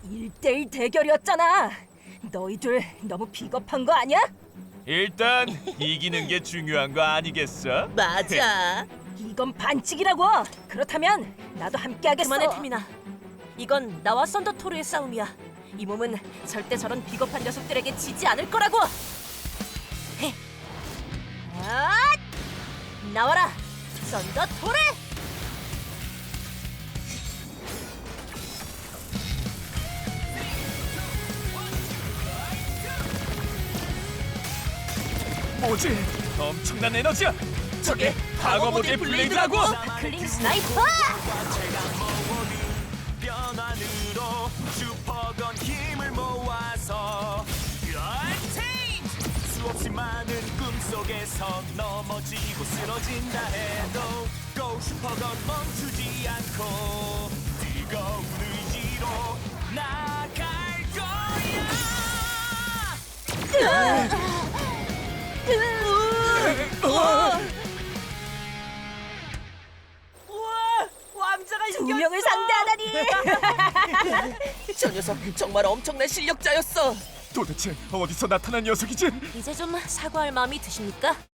1대1 대결이었잖아. 너희들 너무 비겁한 거 아니야? 일단 이기는 게 중요한 거 아니겠어? 맞아. 이건 반칙이라고. 그렇다면 나도 함께 하겠어. 그만해 태민아. 이건 나와 썬더토르의 싸움이야. 이 몸은 절대 저런 비겁한 녀석들에게 지지 않을 거라고. 헤. 아! 나와라, 썬더토르! 뭐지? 엄청난 에너지야! 저게 방어 모델 블레이드라고! 클링 스나이퍼! 변환으로 슈퍼건 힘을 모아서 수없이 많은 꿈속에서 넘어지고 쓰러진다 해도 고 슈퍼건 멈추지 않고 뜨거운 의지로 나갈 거야. 우와! 왕자가 두 명을 상대하다니. 저 녀석 정말 엄청난 실력자였어. 도대체 어디서 나타난 녀석이지? 이제 좀 사과할 마음이 드십니까?